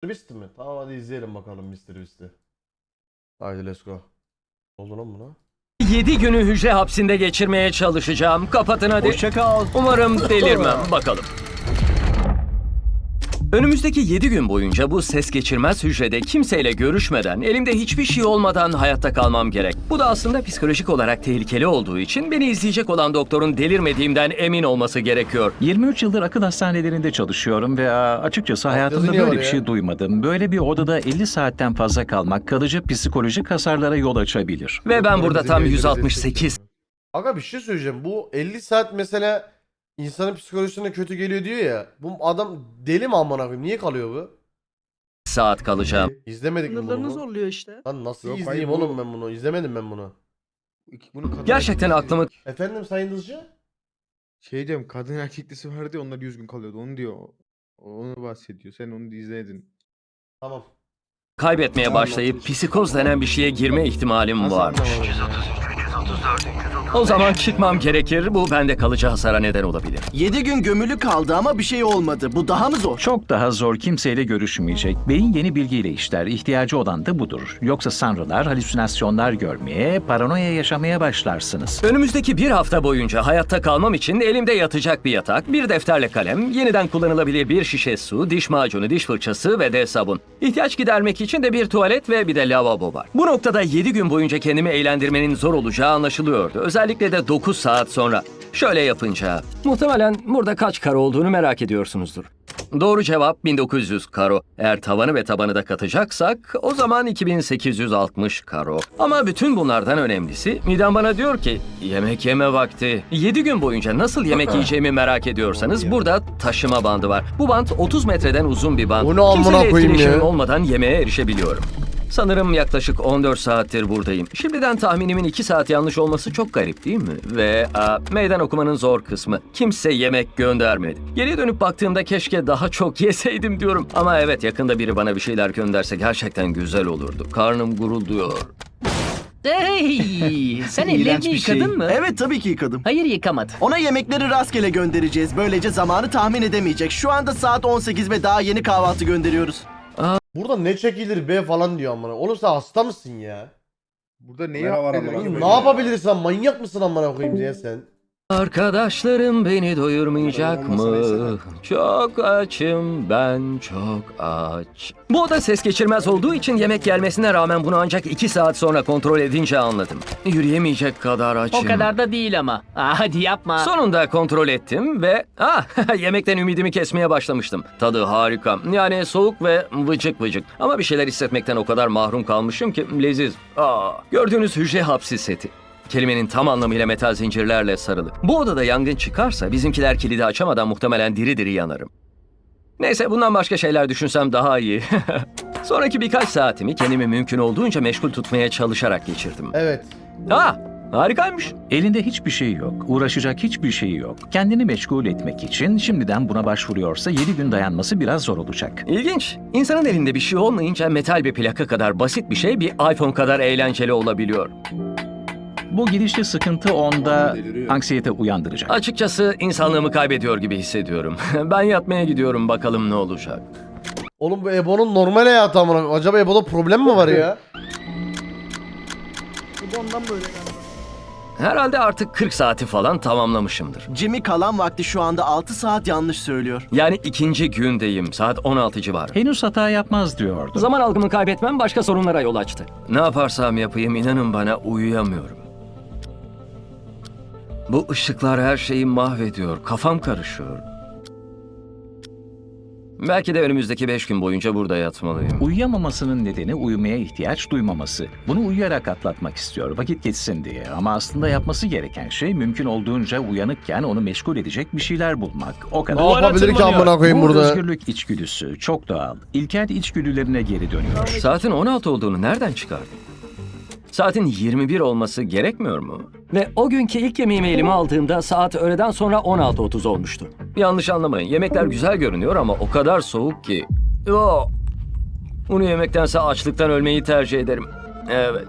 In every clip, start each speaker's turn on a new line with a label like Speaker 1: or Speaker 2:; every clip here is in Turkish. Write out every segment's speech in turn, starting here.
Speaker 1: Beast mi? Tamam hadi izleyelim bakalım Mr. Beast'i. Haydi let's go. Ne oldu lan buna?
Speaker 2: 7 günü hücre hapsinde geçirmeye çalışacağım. Kapatın hadi.
Speaker 3: Hoşça kal.
Speaker 2: Umarım delirmem. Bakalım. Önümüzdeki 7 gün boyunca bu ses geçirmez hücrede kimseyle görüşmeden, elimde hiçbir şey olmadan hayatta kalmam gerek. Bu da aslında psikolojik olarak tehlikeli olduğu için beni izleyecek olan doktorun delirmediğimden emin olması gerekiyor.
Speaker 3: 23 yıldır akıl hastanelerinde çalışıyorum ve açıkçası hayatımda
Speaker 1: yazı niye
Speaker 3: böyle
Speaker 1: var
Speaker 3: bir
Speaker 1: ya?
Speaker 3: şey duymadım. Böyle bir odada 50 saatten fazla kalmak kalıcı psikolojik hasarlara yol açabilir.
Speaker 2: Ve ben burada tam
Speaker 4: Bizim
Speaker 2: 168
Speaker 1: Aga bir şey söyleyeceğim. Bu 50 saat mesela insanın psikolojisine kötü geliyor diyor ya. Bu adam deli mi amına koyayım? Niye kalıyor bu?
Speaker 2: saat kalacağım.
Speaker 1: İzlemedik mi
Speaker 5: Sınırlarını
Speaker 1: bunu?
Speaker 5: zorluyor işte.
Speaker 1: Lan nasıl
Speaker 4: Yok,
Speaker 1: izleyeyim
Speaker 4: hayır, bu-
Speaker 1: oğlum ben bunu? İzlemedim ben bunu.
Speaker 4: Bunu kadın
Speaker 2: Gerçekten
Speaker 4: erkeklisi-
Speaker 2: aklımı
Speaker 1: Efendim Sayın Dızcı?
Speaker 4: Şey diyorum, kadın erkeklisi vardı ya, onlar 100 gün kalıyordu. Onu diyor. Onu bahsediyor. Sen onu da izledin.
Speaker 1: Tamam.
Speaker 2: kaybetmeye başlayıp psikoz denen bir şeye girme ihtimalim
Speaker 4: Nasıl
Speaker 2: var.
Speaker 4: anlamadım?
Speaker 2: O zaman çıkmam gerekir. Bu bende kalıcı hasara neden olabilir.
Speaker 6: 7 gün gömülü kaldı ama bir şey olmadı. Bu daha mı zor?
Speaker 3: Çok daha zor, kimseyle görüşmeyecek. Beyin yeni bilgiyle işler. İhtiyacı olan da budur. Yoksa sanrılar, halüsinasyonlar görmeye, paranoya yaşamaya başlarsınız.
Speaker 2: Önümüzdeki bir hafta boyunca hayatta kalmam için elimde yatacak bir yatak, bir defterle kalem, yeniden kullanılabilir bir şişe su, diş macunu, diş fırçası ve de sabun. İhtiyaç gidermek için de bir tuvalet ve bir de lavabo var. Bu noktada 7 gün boyunca kendimi eğlendirmenin zor olacağı anlaşılıyordu. Özellikle de 9 saat sonra. Şöyle yapınca. Muhtemelen burada kaç karo olduğunu merak ediyorsunuzdur. Doğru cevap 1900 karo. Eğer tavanı ve tabanı da katacaksak o zaman 2860 karo. Ama bütün bunlardan önemlisi midem bana diyor ki yemek yeme vakti. 7 gün boyunca nasıl yemek yiyeceğimi merak ediyorsanız burada taşıma bandı var. Bu band 30 metreden uzun bir band.
Speaker 1: O ne amına
Speaker 2: Kimseyle
Speaker 1: koyayım
Speaker 2: etkileşimim
Speaker 1: ya?
Speaker 2: olmadan yemeğe erişebiliyorum. Sanırım yaklaşık 14 saattir buradayım. Şimdiden tahminimin 2 saat yanlış olması çok garip değil mi? Ve meydan okumanın zor kısmı. Kimse yemek göndermedi. Geriye dönüp baktığımda keşke daha çok yeseydim diyorum. Ama evet, yakında biri bana bir şeyler gönderse gerçekten güzel olurdu. Karnım gurulduyor.
Speaker 7: Hey, sen
Speaker 6: İğrenç
Speaker 7: ellerini
Speaker 6: bir şey.
Speaker 7: yıkadın mı?
Speaker 6: Evet, tabii ki yıkadım.
Speaker 7: Hayır, yıkamadı.
Speaker 6: Ona yemekleri rastgele göndereceğiz. Böylece zamanı tahmin edemeyecek. Şu anda saat 18 ve daha yeni kahvaltı gönderiyoruz.
Speaker 1: Burada ne çekilir be falan diyor amına. Oğlum sen hasta mısın ya?
Speaker 4: Burada neyi
Speaker 8: Kamera var
Speaker 4: affedilir?
Speaker 8: amına
Speaker 1: Ne yapabilirsin? Manyak mısın amına koyayım ya sen?
Speaker 2: Arkadaşlarım beni doyurmayacak
Speaker 8: Olmasa
Speaker 2: mı?
Speaker 8: neyse.
Speaker 2: Çok açım, ben çok aç. Bu oda ses geçirmez olduğu için yemek gelmesine rağmen bunu ancak 2 saat sonra kontrol edince anladım. Yürüyemeyecek kadar açım.
Speaker 7: O kadar da değil ama. Hadi yapma.
Speaker 2: Sonunda kontrol ettim ve yemekten ümidimi kesmeye başlamıştım. Tadı harika. Yani soğuk ve vıcık vıcık. Ama bir şeyler hissetmekten o kadar mahrum kalmışım ki leziz. Gördüğünüz hücre hapsi seti. Kelimenin tam anlamıyla metal zincirlerle sarılı. Bu odada yangın çıkarsa bizimkiler kilidi açamadan muhtemelen diri diri yanarım. Neyse, bundan başka şeyler düşünsem daha iyi. Sonraki birkaç saatimi kendimi mümkün olduğunca meşgul tutmaya çalışarak geçirdim.
Speaker 1: Evet.
Speaker 2: Harikaymış.
Speaker 3: Elinde hiçbir şey yok, uğraşacak hiçbir şey yok. Kendini meşgul etmek için şimdiden buna başvuruyorsa 7 gün dayanması biraz zor olacak.
Speaker 2: İlginç. İnsanın elinde bir şey olmayınca metal bir plaka kadar basit bir şey bir iPhone kadar eğlenceli olabiliyor.
Speaker 3: Bu gidişli sıkıntı onda
Speaker 8: Deliriyor.
Speaker 3: anksiyete uyandıracak.
Speaker 2: Açıkçası insanlığımı kaybediyor gibi hissediyorum. Ben yatmaya gidiyorum, bakalım ne olacak.
Speaker 1: Oğlum bu Ebo'nun normal hayatı amına koyayım. Acaba Ebo'da problem mi var ya?
Speaker 5: Bu ondan böyle galiba.
Speaker 2: Herhalde artık 40 saati falan tamamlamışımdır.
Speaker 6: Jimmy kalan vakti şu anda 6 saat yanlış söylüyor.
Speaker 2: Yani ikinci gündeyim. Saat 16 civarı.
Speaker 3: Henüz hata yapmaz diyordu.
Speaker 2: Zaman algımı kaybetmem başka sorunlara yol açtı. Ne yaparsam yapayım inanın bana uyuyamıyorum. Bu ışıklar her şeyi mahvediyor. Kafam karışıyor. Belki de önümüzdeki 5 gün boyunca burada yatmalıyım.
Speaker 3: Uyuyamamasının nedeni uyumaya ihtiyaç duymaması. Bunu uyuyarak atlatmak istiyor, vakit geçsin diye. Ama aslında yapması gereken şey mümkün olduğunca uyanıkken onu meşgul edecek bir şeyler bulmak. O kadar.
Speaker 1: Ne yapabilir ki amına koyayım
Speaker 3: Bu
Speaker 1: burada?
Speaker 3: özgürlük içgüdüsü çok doğal. İlkel içgüdülerine geri dönüyor.
Speaker 2: Saatin 16 olduğunu nereden çıkardın? Saatin 21 olması gerekmiyor mu? Ve o günkü ilk yemeğimi elime aldığımda saat öğleden sonra 16:30 olmuştu. Yanlış anlamayın, yemekler güzel görünüyor ama o kadar soğuk ki. Bunu yemektense açlıktan ölmeyi tercih ederim. Evet.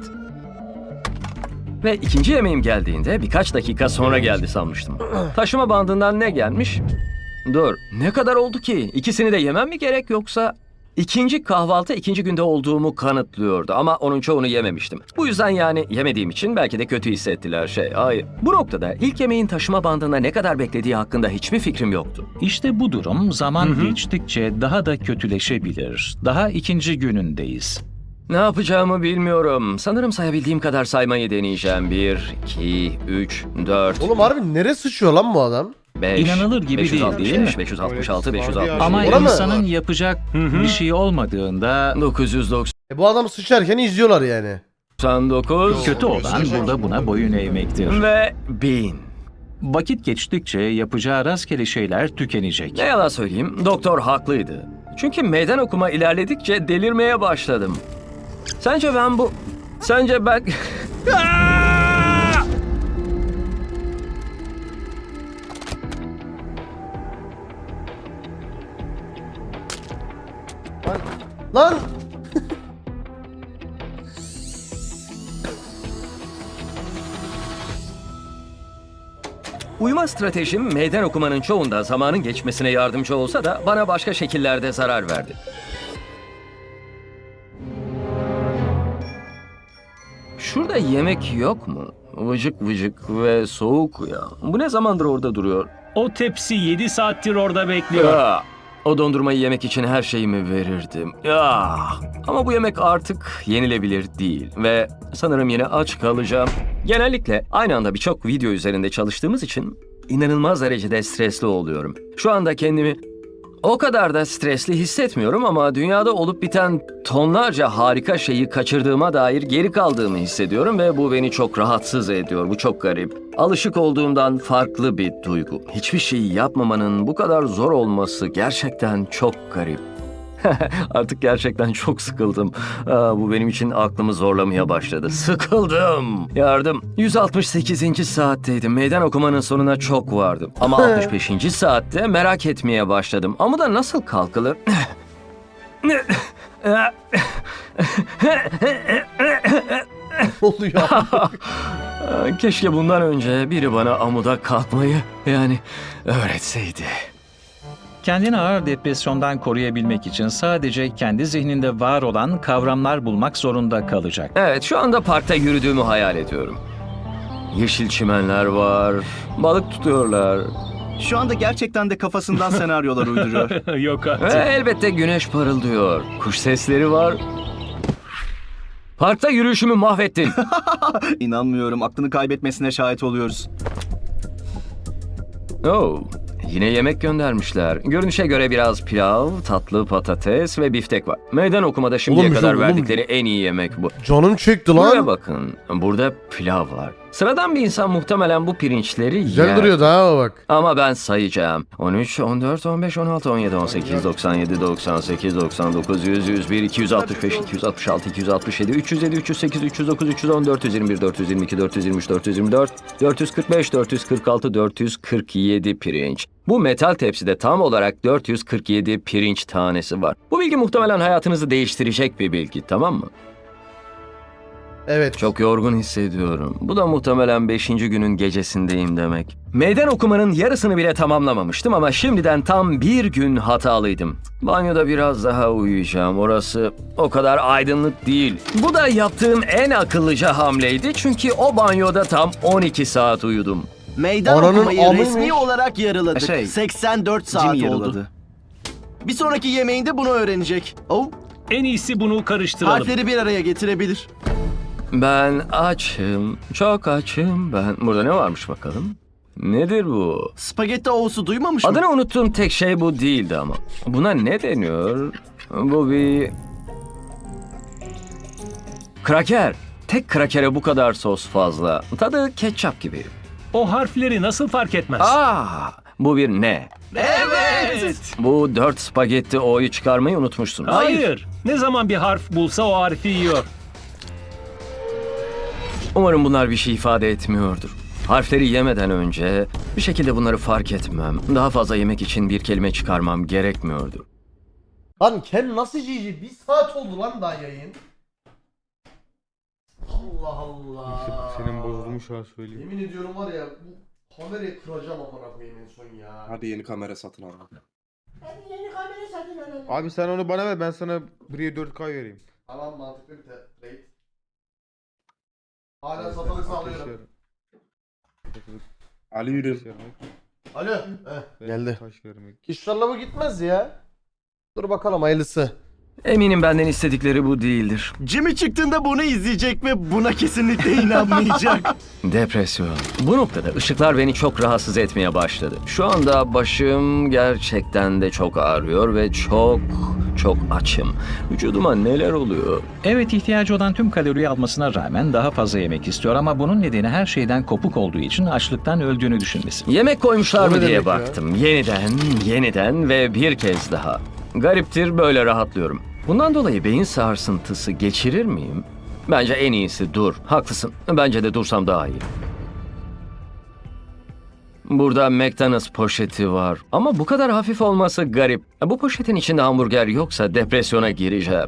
Speaker 2: Ve ikinci yemeğim geldiğinde birkaç dakika sonra geldi sanmıştım. Taşıma bandından ne gelmiş? Dur, ne kadar oldu ki? İkisini de yemem mi gerek yoksa... İkinci kahvaltı ikinci günde olduğumu kanıtlıyordu ama onun çoğunu yememiştim. Bu yüzden yani yemediğim için belki de kötü hissettiler hayır. Bu noktada ilk yemeğin taşıma bandında ne kadar beklediği hakkında hiçbir fikrim yoktu.
Speaker 3: İşte bu durum zaman geçtikçe daha da kötüleşebilir. Daha ikinci günündeyiz.
Speaker 2: Ne yapacağımı bilmiyorum. Sanırım sayabildiğim kadar saymayı deneyeceğim. 1, 2, 3, 4,
Speaker 1: Oğlum harbi nereye sıçıyor lan bu adam?
Speaker 2: 5,
Speaker 3: İnanılır gibi değil, değil mi?
Speaker 2: 566,
Speaker 4: Evet,
Speaker 2: 566.
Speaker 3: Ama
Speaker 1: Ona mı?
Speaker 3: insanın yapacak bir şey olmadığında
Speaker 2: 999.
Speaker 1: Bu adam sıçarken izliyorlar yani.
Speaker 3: kötü olan burada buna boyun eğmektir.
Speaker 2: Ve 1000.
Speaker 3: Vakit geçtikçe yapacağı rastgele şeyler tükenecek.
Speaker 2: Ne yalan söyleyeyim, doktor haklıydı. Çünkü meydan okuma ilerledikçe delirmeye başladım. Sence ben...
Speaker 1: Lan!
Speaker 2: Uyuma stratejim meydan okumanın çoğunda zamanın geçmesine yardımcı olsa da bana başka şekillerde zarar verdi. Şurada yemek yok mu? Vıcık vıcık ve soğuk ya. Bu ne zamandır orada duruyor?
Speaker 5: O tepsi 7 saattir orada bekliyor.
Speaker 2: Ya, o dondurmayı yemek için her şeyimi verirdim. Ya, ama bu yemek artık yenilebilir değil ve sanırım yine aç kalacağım. Genellikle aynı anda birçok video üzerinde çalıştığımız için inanılmaz derecede stresli oluyorum. Şu anda kendimi o kadar da stresli hissetmiyorum ama dünyada olup biten tonlarca harika şeyi kaçırdığıma dair geri kaldığımı hissediyorum ve bu beni çok rahatsız ediyor. Bu çok garip. Alışık olduğumdan farklı bir duygu. Hiçbir şeyi yapmamanın bu kadar zor olması gerçekten çok garip. Artık gerçekten çok sıkıldım. Bu benim için aklımı zorlamaya başladı. Sıkıldım. Yardım. 168. saatteydim. Meydan okumanın sonuna çok vardım. Ama 65. saatte merak etmeye başladım. Amuda nasıl kalkılır?
Speaker 1: Ne oluyor?
Speaker 2: Keşke bundan önce biri bana amuda kalkmayı öğretseydi.
Speaker 3: Kendini ağır depresyondan koruyabilmek için sadece kendi zihninde var olan kavramlar bulmak zorunda kalacak.
Speaker 2: Evet, şu anda parkta yürüdüğümü hayal ediyorum. Yeşil çimenler var, balık tutuyorlar.
Speaker 6: Şu anda gerçekten de kafasından senaryolar uyduruyor.
Speaker 5: Yok
Speaker 2: Ve
Speaker 5: artık.
Speaker 2: elbette güneş parıldıyor. Kuş sesleri var. Parkta yürüyüşümü mahvettin.
Speaker 6: İnanmıyorum, aklını kaybetmesine şahit oluyoruz.
Speaker 2: Oh, yine yemek göndermişler. Görünüşe göre biraz pilav, tatlı patates ve biftek var. Meydan okumada şimdiye
Speaker 1: Oğlum,
Speaker 2: kadar
Speaker 1: oğlum.
Speaker 2: verdikleri en iyi yemek bu.
Speaker 1: Canım çekti
Speaker 2: Buraya
Speaker 1: lan.
Speaker 2: bakın, burada pilav var. Sıradan bir insan muhtemelen bu pirinçleri
Speaker 1: Güzel
Speaker 2: yer.
Speaker 1: duruyor daha bak.
Speaker 2: Ama ben sayacağım. 13, 14, 15, 16, 17, 18, 97, 98, 99, 100, 101, 265, 266, 267, 307, 308, 309, 310, 421, 422, 423, 424, 445, 446, 447 pirinç. Bu metal tepside tam olarak 447 pirinç tanesi var. Bu bilgi muhtemelen hayatınızı değiştirecek bir bilgi, tamam mı?
Speaker 1: Evet.
Speaker 2: Çok yorgun hissediyorum. Bu da muhtemelen 5. günün gecesindeyim demek. Meydan okumanın yarısını bile tamamlamamıştım ama şimdiden tam bir gün hatalıydım. Banyoda biraz daha uyuyacağım. Orası o kadar aydınlık değil. Bu da yaptığım en akıllıca hamleydi çünkü o banyoda tam 12 saat uyudum.
Speaker 6: Meydan
Speaker 1: Ananın
Speaker 6: okumayı
Speaker 1: amıymış.
Speaker 6: resmi olarak yarıladık. 84 saat
Speaker 7: Jim
Speaker 6: oldu.
Speaker 7: yarıladı.
Speaker 6: Bir sonraki yemeğinde bunu öğrenecek. Oh,
Speaker 5: En iyisi bunu karıştıralım.
Speaker 6: harfleri bir araya getirebilir.
Speaker 2: Ben açım, çok açım ben. Burada ne varmış bakalım? Nedir bu?
Speaker 6: Spagetti O'su duymamış mı?
Speaker 2: Adını unuttuğum tek şey bu değildi ama. Buna ne deniyor? Bu bir... Kraker. Tek krakere bu kadar sos fazla. Tadı ketçap gibi.
Speaker 5: O harfleri nasıl fark etmez?
Speaker 2: Bu bir ne?
Speaker 6: Evet.
Speaker 2: Bu 4 spagetti O'yu çıkarmayı unutmuşsun.
Speaker 5: Hayır. Ne zaman bir harf bulsa o harfi yiyor.
Speaker 2: Umarım bunlar bir şey ifade etmiyordur. Harfleri yemeden önce bir şekilde bunları fark etmem. Daha fazla yemek için bir kelime çıkarmam gerekmiyordu.
Speaker 1: Lan Ken nasıl GG? Bir saat oldu lan daha yayın. Allah Allah.
Speaker 4: İşte senin bozulmuş ha söyleyeyim.
Speaker 1: Yemin ediyorum var ya bu kamerayı kıracağım amına koyayım en son ya.
Speaker 8: Hadi yeni kamera satın al.
Speaker 4: Abi sen onu bana ver, ben sana buraya 4K vereyim.
Speaker 1: Tamam, mantıklı bir trade. Hala satılık sağlıyorum.
Speaker 8: Alıyorum.
Speaker 1: Alo. Geldi.
Speaker 4: Taş vermek.
Speaker 1: İnşallah bu gitmez ya. Dur bakalım hayırlısı.
Speaker 2: Eminim benden istedikleri bu değildir.
Speaker 6: Jimmy çıktığında bunu izleyecek ve buna kesinlikle inanmayacak.
Speaker 2: Depresyon. Bu noktada ışıklar beni çok rahatsız etmeye başladı. Şu anda başım gerçekten de çok ağrıyor ve çok açım. Vücuduma neler oluyor?
Speaker 3: Evet, ihtiyacı olan tüm kaloriyi almasına rağmen daha fazla yemek istiyor ama bunun nedeni her şeyden kopuk olduğu için açlıktan öldüğünü düşünmesi.
Speaker 2: Yemek koymuşlar
Speaker 1: O ne
Speaker 2: mı diye
Speaker 1: demek ya?
Speaker 2: baktım. Yeniden ve bir kez daha. Gariptir, böyle rahatlıyorum. Bundan dolayı beyin sarsıntısı geçirir miyim? Bence en iyisi dur. Haklısın. Bence de dursam daha iyi. Burada McDonald's poşeti var. Ama bu kadar hafif olması garip. Bu poşetin içinde hamburger yoksa depresyona gireceğim.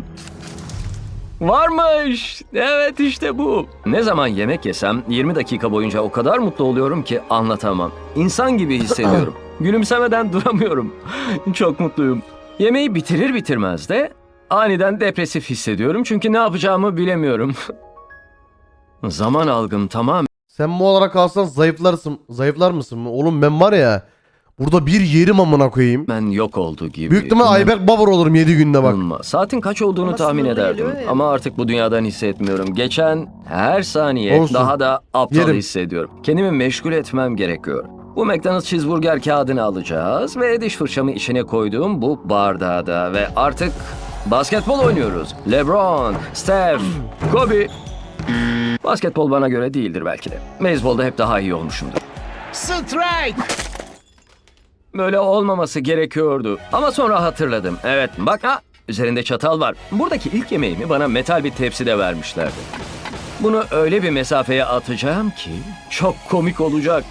Speaker 2: Varmış. Evet, işte bu. Ne zaman yemek yesem 20 dakika boyunca o kadar mutlu oluyorum ki anlatamam. İnsan gibi hissediyorum. Gülümsemeden duramıyorum. Çok mutluyum. Yemeği bitirir bitirmez de aniden depresif hissediyorum çünkü ne yapacağımı bilemiyorum. Zaman algım tamam.
Speaker 1: Sen bu olarak kalsan zayıflar mısın? Oğlum ben var ya burada bir yerim amına koyayım.
Speaker 2: Ben yok oldu gibi.
Speaker 1: Büyük ihtimal Ayberk Babar olurum 7 günde bak.
Speaker 2: İnanılmaz. Saatin kaç olduğunu tahmin ederdim. Ama artık bu dünyadan hissetmiyorum. Geçen her saniye
Speaker 1: Olsun.
Speaker 2: daha da aptal
Speaker 1: Yerim.
Speaker 2: hissediyorum. Kendimi meşgul etmem gerekiyor. Bu McDonald's cheeseburger kağıdını alacağız ve diş fırçamı içine koyduğum bu bardağa da ve artık basketbol oynuyoruz. LeBron, Steph, Kobe. Basketbol bana göre değildir belki de. Beyzbolda hep daha iyi olmuşumdur.
Speaker 6: Strike!
Speaker 2: Böyle olmaması gerekiyordu. Ama sonra hatırladım. Evet bak üzerinde çatal var. Buradaki ilk yemeğimi bana metal bir tepside vermişlerdi. Bunu öyle bir mesafeye atacağım ki çok komik olacak.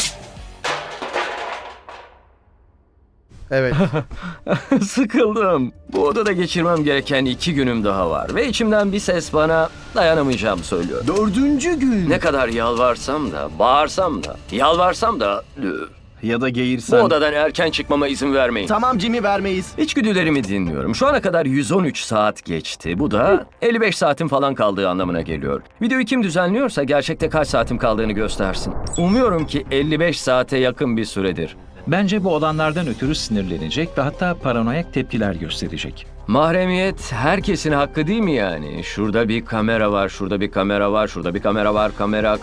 Speaker 1: Evet.
Speaker 2: Sıkıldım. Bu odada geçirmem gereken 2 günüm daha var. Ve içimden bir ses bana dayanamayacağımı söylüyor.
Speaker 6: 4. gün.
Speaker 2: Ne kadar yalvarsam da, bağırsam da, yalvarsam da
Speaker 8: Ya da
Speaker 2: bu
Speaker 8: geğirsen.
Speaker 2: odadan erken çıkmama izin vermeyin.
Speaker 6: Tamam Jimmy, vermeyiz.
Speaker 2: İçgüdülerimi dinliyorum. Şu ana kadar 113 saat geçti. Bu da 55 saatim falan kaldığı anlamına geliyor. Videoyu kim düzenliyorsa gerçekte kaç saatim kaldığını göstersin. Umuyorum ki 55 saate yakın bir süredir.
Speaker 3: Bence bu olanlardan ötürü sinirlenecek ve hatta paranoyak tepkiler gösterecek.
Speaker 2: Mahremiyet herkesin hakkı değil mi yani? Şurada bir kamera var, şurada bir kamera var, şurada bir kamera var. Kamera.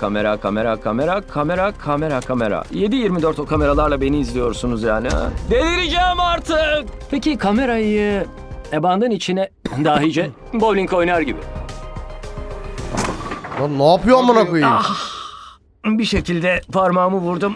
Speaker 2: 7/24 o kameralarla beni izliyorsunuz yani ha? Delireceğim artık! Peki kamerayı bandın içine dahice bowling oynar gibi.
Speaker 1: Lan ne yapıyor amına koyayım?
Speaker 2: Bir şekilde parmağımı vurdum.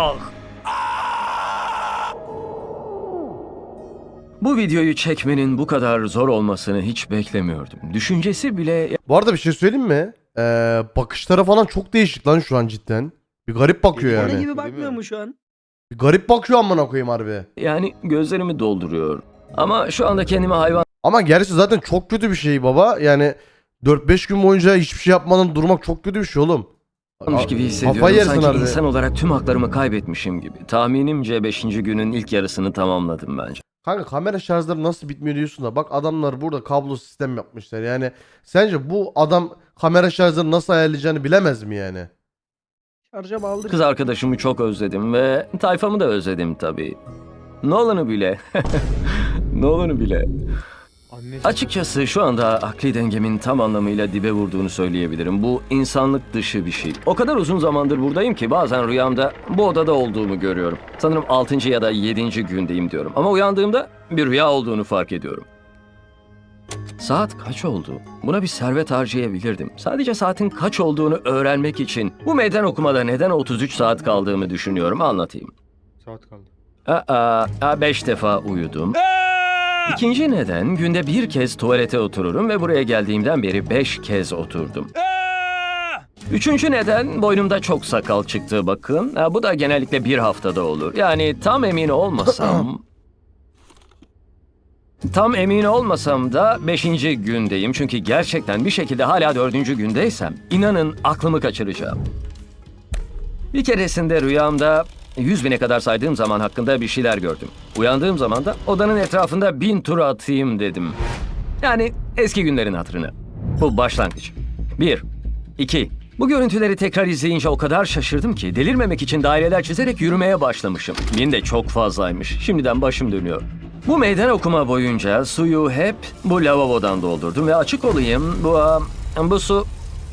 Speaker 2: Bu videoyu çekmenin bu kadar zor olmasını hiç beklemiyordum. Düşüncesi bile
Speaker 1: Bu arada bir şey söyleyeyim mi? Bakışları falan çok değişik lan şu an cidden. Bir garip bakıyor
Speaker 4: Öyle
Speaker 1: yani.
Speaker 4: gibi bakmıyor mu
Speaker 9: şu an?
Speaker 1: Bir garip bakıyor amına koyayım harbi.
Speaker 2: yani gözlerimi dolduruyor. Ama şu anda kendimi hayvan
Speaker 1: Ama gerçi zaten çok kötü bir şey baba. Yani 4-5 gün boyunca hiçbir şey yapmadan durmak çok kötü bir şey oğlum.
Speaker 2: olmuş gibi hissediyorum.
Speaker 1: Kafayı yersin
Speaker 2: Sanki
Speaker 1: harbi.
Speaker 2: insan olarak tüm haklarımı kaybetmişim gibi. Tahminimce 5. günün ilk yarısını tamamladım bence.
Speaker 1: Kanka kamera şarjları nasıl bitmiyor diyorsun da bak adamlar burada kablo sistem yapmışlar. Yani sence bu adam kamera şarjları nasıl ayarlayacağını bilemez mi yani?
Speaker 9: Şarja bağlı.
Speaker 2: Kız arkadaşımı çok özledim ve tayfamı da özledim tabii. Nolan'ı bile. Nolan'ı bile.
Speaker 4: Annesi.
Speaker 2: Açıkçası şu anda akli dengemin tam anlamıyla dibe vurduğunu söyleyebilirim. Bu insanlık dışı bir şey. O kadar uzun zamandır buradayım ki bazen rüyamda bu odada olduğumu görüyorum. Sanırım 6. ya da 7. gündeyim diyorum. Ama uyandığımda bir rüya olduğunu fark ediyorum. Saat kaç oldu? Buna bir servet harcayabilirdim. Sadece saatin kaç olduğunu öğrenmek için bu meydan okumada neden 33 saat kaldığımı düşünüyorum. Anlatayım.
Speaker 4: Saat kaldı.
Speaker 2: 5 defa uyudum. İkinci neden günde bir kez tuvalete otururum ve buraya geldiğimden beri 5 kez oturdum. Üçüncü neden boynumda çok sakal çıktı bakın. Bu da genellikle bir haftada olur. Yani tam emin olmasam... Tam emin olmasam da 5. gündeyim. Çünkü gerçekten bir şekilde hala 4. gündeysem inanın aklımı kaçıracağım. Bir keresinde rüyamda 100.000'e kadar saydığım zaman hakkında bir şeyler gördüm. Uyandığım zaman da odanın etrafında 1000 tur atayım dedim. Yani eski günlerin hatırına. Bu başlangıç. 1, 2. Bu görüntüleri tekrar izleyince o kadar şaşırdım ki delirmemek için daireler çizerek yürümeye başlamışım. 1000 de çok fazlaymış. Şimdiden başım dönüyor. Bu meydan okuma boyunca suyu hep bu lavabodan doldurdum ve açık olayım bu su...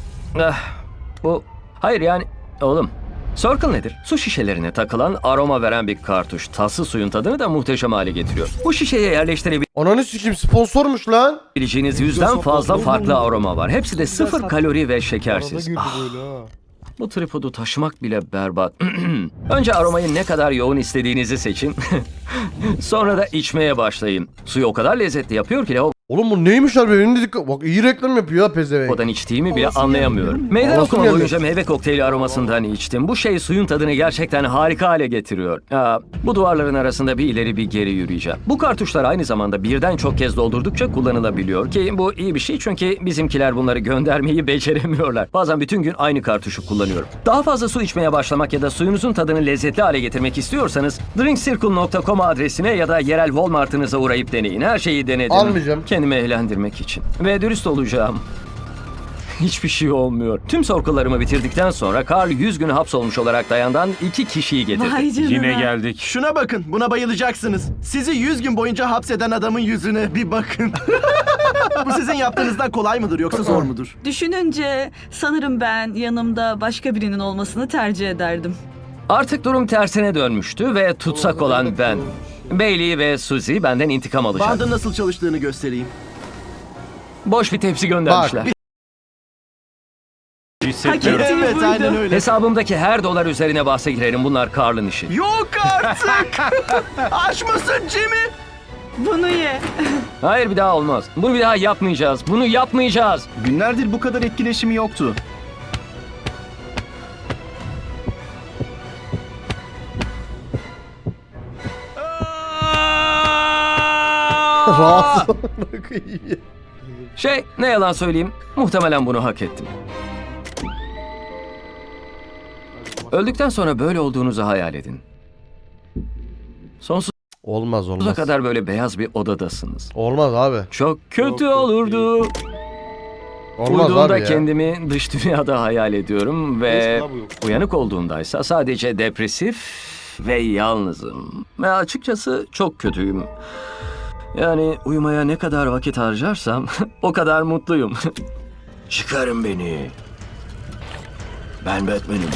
Speaker 2: Hayır yani oğlum. Circle nedir? Su şişelerine takılan aroma veren bir kartuş. Tatsız suyun tadını da muhteşem hale getiriyor. Bu şişeye
Speaker 1: Ananı sikim sponsormuş lan.
Speaker 2: yerleştirebileceğiniz yüzden fazla farklı aroma var. Hepsi de sıfır kalori ve
Speaker 4: Arada
Speaker 2: şekersiz.
Speaker 4: girdi böyle ha.
Speaker 2: Bu tripodu taşımak bile berbat. Önce aromayı ne kadar yoğun istediğinizi seçin. Sonra da içmeye başlayın. Suyu o kadar lezzetli yapıyor ki
Speaker 1: Oğlum bu neymiş abi? Benim de dikkat. Bak iyi reklam yapıyor ha pezevenk.
Speaker 2: lavabodan içtiğimi bile anlayamıyorum. Meydan
Speaker 1: Havası
Speaker 2: okuma
Speaker 1: geldi.
Speaker 2: boyunca meyve kokteyli aromasından içtim. Bu şey suyun tadını gerçekten harika hale getiriyor. Bu duvarların arasında bir ileri bir geri yürüyeceğim. Bu kartuşlar aynı zamanda birden çok kez doldurdukça kullanılabiliyor ki bu iyi bir şey çünkü bizimkiler bunları göndermeyi beceremiyorlar. Bazen bütün gün aynı kartuşu kullanıyorum. Daha fazla su içmeye başlamak ya da suyunuzun tadını lezzetli hale getirmek istiyorsanız drinkcircle.com adresine ya da yerel Walmart'ınıza uğrayıp deneyin. Her şeyi denedim.
Speaker 1: Almayacağım.
Speaker 2: Kendimi eğlendirmek için. Ve dürüst olacağım. Hiçbir şey olmuyor. Tüm sorkularımı bitirdikten sonra Carl 100 gün hapsolmuş olarak dayandan 2 kişiyi getirdi.
Speaker 7: Vay canına.
Speaker 5: Yine geldik.
Speaker 6: Şuna bakın, buna bayılacaksınız. Sizi 100 gün boyunca hapseden adamın yüzüne bir bakın. Bu sizin yaptığınızdan kolay mıdır yoksa zor mudur?
Speaker 8: Düşününce sanırım ben yanımda başka birinin olmasını tercih ederdim.
Speaker 2: Artık durum tersine dönmüştü ve tutsak olan ben. Bailey ve Suzy benden intikam alacak.
Speaker 6: Bandın nasıl çalıştığını göstereyim.
Speaker 2: Boş bir tepsi göndermişler.
Speaker 5: Hissetmiyorum.
Speaker 8: Hak ettiği
Speaker 6: Evet,
Speaker 8: buydu.
Speaker 6: aynen öyle.
Speaker 2: Hesabımdaki her dolar üzerine bahse girerim. Bunlar Carl'ın işi.
Speaker 6: Yok artık! Aç mısın Jimmy?
Speaker 8: Bunu ye.
Speaker 2: Hayır bir daha olmaz. Bunu bir daha yapmayacağız. Bunu yapmayacağız.
Speaker 6: Günlerdir bu kadar etkileşimi yoktu.
Speaker 1: Rahatsız.
Speaker 2: Ne yalan söyleyeyim. Muhtemelen bunu hak ettim. Öldükten sonra böyle olduğunuzu hayal edin. Sonsuza
Speaker 1: Olmaz olmaz.
Speaker 2: kadar böyle beyaz bir odadasınız.
Speaker 1: Olmaz abi.
Speaker 2: Çok kötü
Speaker 4: Yok,
Speaker 2: olurdu.
Speaker 1: Olmaz
Speaker 2: Uyuduğumda
Speaker 1: abi ya.
Speaker 2: kendimi dış dünyada hayal ediyorum ve
Speaker 4: Neyse, bu yok.
Speaker 2: uyanık olduğumdaysa sadece depresif ve yalnızım. Ve açıkçası çok kötüyüm. Yani uyumaya ne kadar vakit harcarsam o kadar mutluyum. Çıkarın beni. Ben Batman'im.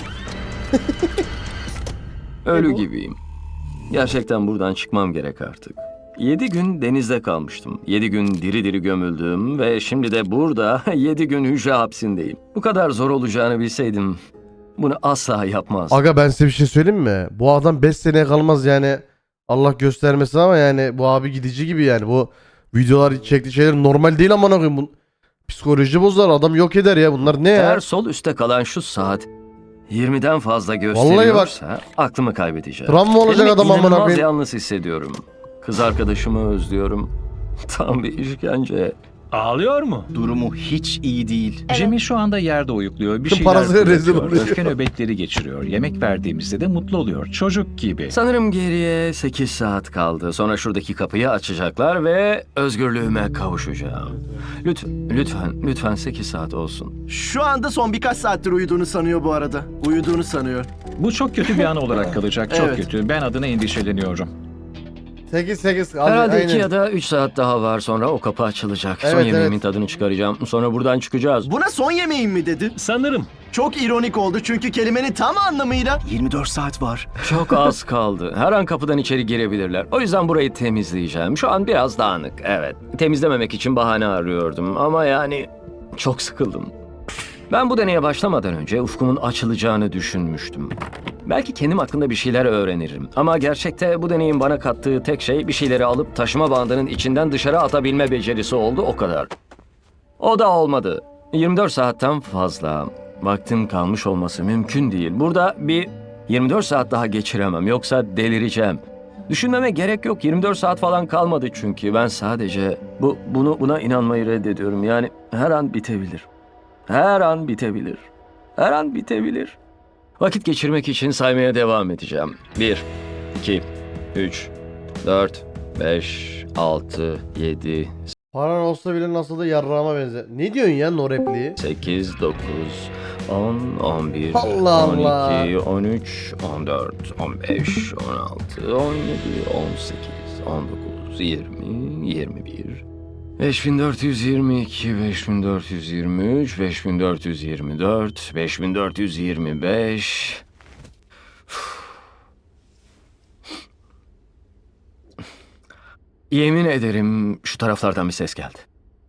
Speaker 2: Ölü gibiyim. Gerçekten buradan çıkmam gerek artık. 7 gün denizde kalmıştım. 7 gün diri diri gömüldüm ve şimdi de burada 7 gün hücre hapsindeyim. Bu kadar zor olacağını bilseydim bunu asla yapmazdım.
Speaker 1: Aga ben size bir şey söyleyeyim mi? Bu adam 5 seneye kalmaz yani. Allah göstermesin ama yani bu abi gidici gibi yani. Bu videolar çektiği şeyler normal değil amına koyayım. Bu psikoloji bozar, adam yok eder ya. Bunlar ne ya?
Speaker 2: Eğer sol üstte kalan şu saat 20'den fazla gösteriyorsa aklımı kaybedeceğim.
Speaker 1: Travma olacak
Speaker 2: Kendimi
Speaker 1: adam amına
Speaker 2: inanılmaz
Speaker 1: koyayım.
Speaker 2: yalnız hissediyorum. Kız arkadaşımı özlüyorum. Tam bir işkence.
Speaker 5: Ağlıyor mu?
Speaker 6: Durumu hiç iyi değil.
Speaker 3: Jimmy şu anda yerde uyukluyor. Bir
Speaker 1: Tüm
Speaker 3: şeyler
Speaker 1: parasıyla rezil
Speaker 3: fırlatıyor.
Speaker 1: oluyor.
Speaker 3: Öfke nöbetleri geçiriyor. Yemek verdiğimizde de mutlu oluyor. Çocuk gibi.
Speaker 2: Sanırım geriye 8 saat kaldı. Sonra şuradaki kapıyı açacaklar ve özgürlüğüme kavuşacağım. Lütfen 8 saat olsun.
Speaker 6: Şu anda son birkaç saattir uyuduğunu sanıyor bu arada. Uyuduğunu sanıyor.
Speaker 3: Bu çok kötü bir an olarak kalacak. Çok
Speaker 6: Evet.
Speaker 3: kötü. Ben adına endişeleniyorum.
Speaker 1: 8.
Speaker 2: Herhalde 2 ya da 3 saat daha var, sonra o kapı açılacak. Son
Speaker 1: Evet,
Speaker 2: yemeğimin
Speaker 1: evet.
Speaker 2: tadını çıkaracağım. Sonra buradan çıkacağız.
Speaker 6: Buna son yemeğin mi dedi?
Speaker 5: Sanırım.
Speaker 6: Çok ironik oldu çünkü kelimenin tam anlamıyla 24 saat var.
Speaker 2: Çok az kaldı. Her an kapıdan içeri girebilirler. O yüzden burayı temizleyeceğim. Şu an biraz dağınık, evet. Temizlememek için bahane arıyordum ama yani çok sıkıldım. Ben bu deneye başlamadan önce ufkumun açılacağını düşünmüştüm. Belki kendim hakkında bir şeyler öğrenirim. Ama gerçekte bu deneyin bana kattığı tek şey bir şeyleri alıp taşıma bandının içinden dışarı atabilme becerisi oldu, o kadar. O da olmadı. 24 saatten fazla vaktim kalmış olması mümkün değil. Burada bir 24 saat daha geçiremem, yoksa delireceğim. Düşünmeme gerek yok. 24 saat falan kalmadı çünkü. Ben sadece buna inanmayı reddediyorum. Yani her an bitebilir. Her an bitebilir. Her an bitebilir. Vakit geçirmek için saymaya devam edeceğim. 1, 2, 3, 4, 5, 6, 7,
Speaker 1: Paran olsa bile nasıl da yarrağıma benzer. Ne diyorsun ya no repliği?
Speaker 2: 8, 9, 10, 11,
Speaker 1: Allah Allah.
Speaker 2: 12, 13, 14, 15, 16, 17, 18, 19, 20, 21, 5422, 5423, 5424, 5425. Yemin ederim şu taraflardan bir ses geldi.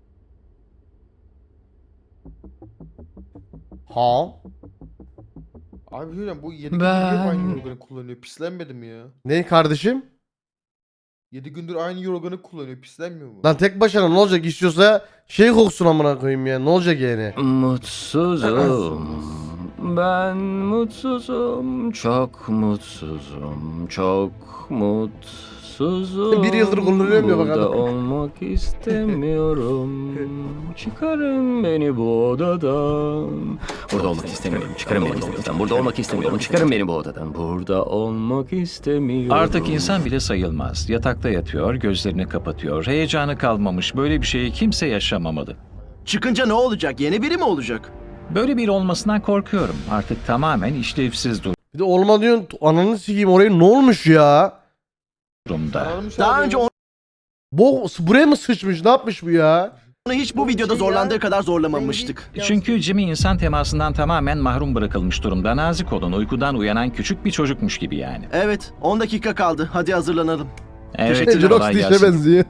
Speaker 1: Ha?
Speaker 4: Abi hocam bu 7 gündür
Speaker 2: Ben-
Speaker 4: hep aynı yorganı kullanıyor. Pislenmedi mi ya?
Speaker 1: Ne kardeşim?
Speaker 4: 7 gündür aynı yorganı kullanıyor. Pislenmiyor mu?
Speaker 1: Lan tek başına ne olacak istiyorsa şey koksun amına koyayım ya. Ne olacak yani?
Speaker 2: Mutsuzum. Ben mutsuzum. Çok mutsuzum. Çok mutsuzum.
Speaker 1: Bir yıldır kullanıyorum ya
Speaker 2: Burada
Speaker 1: bakalım.
Speaker 2: olmak istemiyorum. Çıkarın beni bu odadan. Burada olmak istemiyorum. Çıkarın beni bu odadan. Burada olmak istemiyorum. Çıkarın beni bu odadan. Burada olmak istemiyorum.
Speaker 3: Artık insan bile sayılmaz. Yatakta yatıyor, gözlerini kapatıyor. Heyecanı kalmamış. Böyle bir şeyi kimse yaşamamalı.
Speaker 6: Çıkınca ne olacak? Yeni biri mi olacak?
Speaker 3: Böyle biri olmasından korkuyorum. Artık tamamen işlevsiz
Speaker 1: Bir de olma diyorsun ananı sikeyim oraya ne olmuş ya?
Speaker 3: durumda.
Speaker 4: Sararmış
Speaker 6: Daha
Speaker 4: abi
Speaker 6: önce
Speaker 4: ya.
Speaker 1: Buraya mı sıçmış ne yapmış bu ya?
Speaker 6: onu hiç bu videoda zorlandığı kadar zorlamamıştık.
Speaker 3: Çünkü Jimmy insan temasından tamamen mahrum bırakılmış durumda. Nazik olun, uykudan uyanan küçük bir çocukmuş gibi yani.
Speaker 6: Evet, 10 dakika kaldı. Hadi hazırlanalım.
Speaker 3: Evet,
Speaker 1: Jirox
Speaker 3: kolay
Speaker 1: dişine
Speaker 3: gelsin.
Speaker 1: benziyor.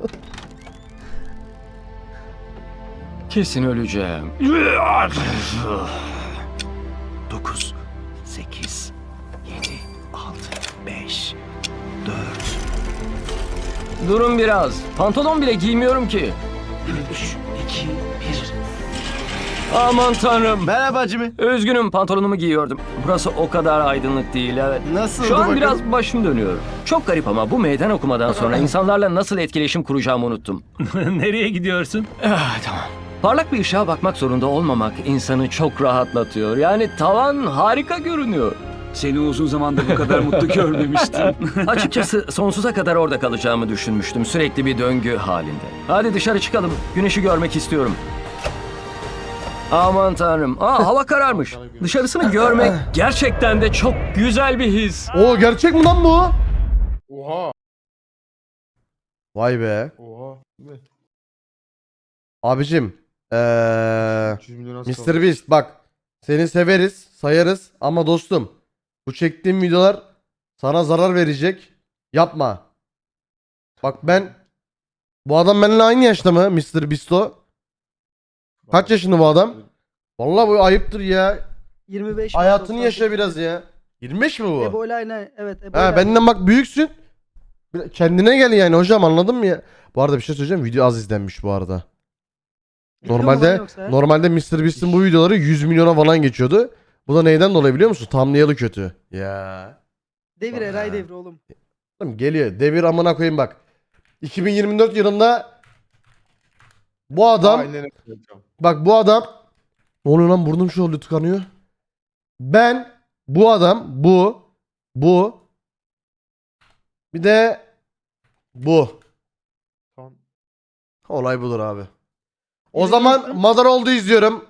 Speaker 2: Kesin öleceğim.
Speaker 6: 9, 8, 7, 6, 5, 4,
Speaker 2: Durun biraz. Pantolon bile giymiyorum ki.
Speaker 6: 3, 2, 1.
Speaker 2: Aman tanrım.
Speaker 6: Merhaba Jimmy.
Speaker 2: Üzgünüm pantolonumu giyiyordum. Burası o kadar aydınlık değil evet.
Speaker 6: Nasıldı
Speaker 2: Şu an
Speaker 6: bakalım?
Speaker 2: biraz başım dönüyor. Çok garip ama bu meydan okumadan sonra insanlarla nasıl etkileşim kuracağımı unuttum.
Speaker 5: Nereye gidiyorsun?
Speaker 2: Tamam. Parlak bir ışığa bakmak zorunda olmamak insanı çok rahatlatıyor. Yani tavan harika görünüyor.
Speaker 5: Seni uzun zamandır bu kadar mutlu görmemiştim.
Speaker 2: Açıkçası sonsuza kadar orada kalacağımı düşünmüştüm. Sürekli bir döngü halinde. Hadi dışarı çıkalım. Güneşi görmek istiyorum. Aman tanrım. Hava kararmış. Dışarısını görmek gerçekten de çok güzel bir his.
Speaker 1: Oo gerçek mi lan bu?
Speaker 4: Oha.
Speaker 1: Vay be.
Speaker 4: Oha. Değil mi?
Speaker 1: Abicim.
Speaker 4: 300 milyon az
Speaker 1: Mr.
Speaker 4: kaldı.
Speaker 1: Beast bak. Seni severiz, sayarız ama dostum. Bu çektiğim videolar sana zarar verecek. Yapma. Bak bu adam benimle aynı yaşta mı Mr. Beast'o? Kaç yaşında bu adam? Vallahi bu ayıptır ya.
Speaker 9: 25.
Speaker 1: Hayatını yaşa biraz ya. 25 mi bu?
Speaker 9: Ebo ile aynı. Evet Ebo ile
Speaker 1: Ha
Speaker 9: aynı.
Speaker 1: benden bak büyüksün. Kendine gel yani hocam anladın mı ya? Bu arada bir şey söyleyeceğim. Video az izlenmiş bu arada.
Speaker 9: Biliyor mu
Speaker 1: Normalde
Speaker 9: lan yoksa?
Speaker 1: normalde Mr. Beast'in bu videoları 100 milyona falan geçiyordu. Bu da neyden dolayı biliyor musun? Thumbnail'ı kötü. Ya.
Speaker 9: Devir Eray devri oğlum.
Speaker 1: Tamam, geliyor. Devir amına koyayım bak. 2024 yılında bu adam
Speaker 4: Aynen öyle hocam.
Speaker 1: bak bu adam ne oluyor lan burnum şu oluyor tıkanıyor. Ben bu adam bu bir de bu.
Speaker 4: Tamam.
Speaker 1: Olay budur abi. O
Speaker 9: Bir de
Speaker 1: zaman
Speaker 9: yoksa-
Speaker 1: Mother oldu izliyorum.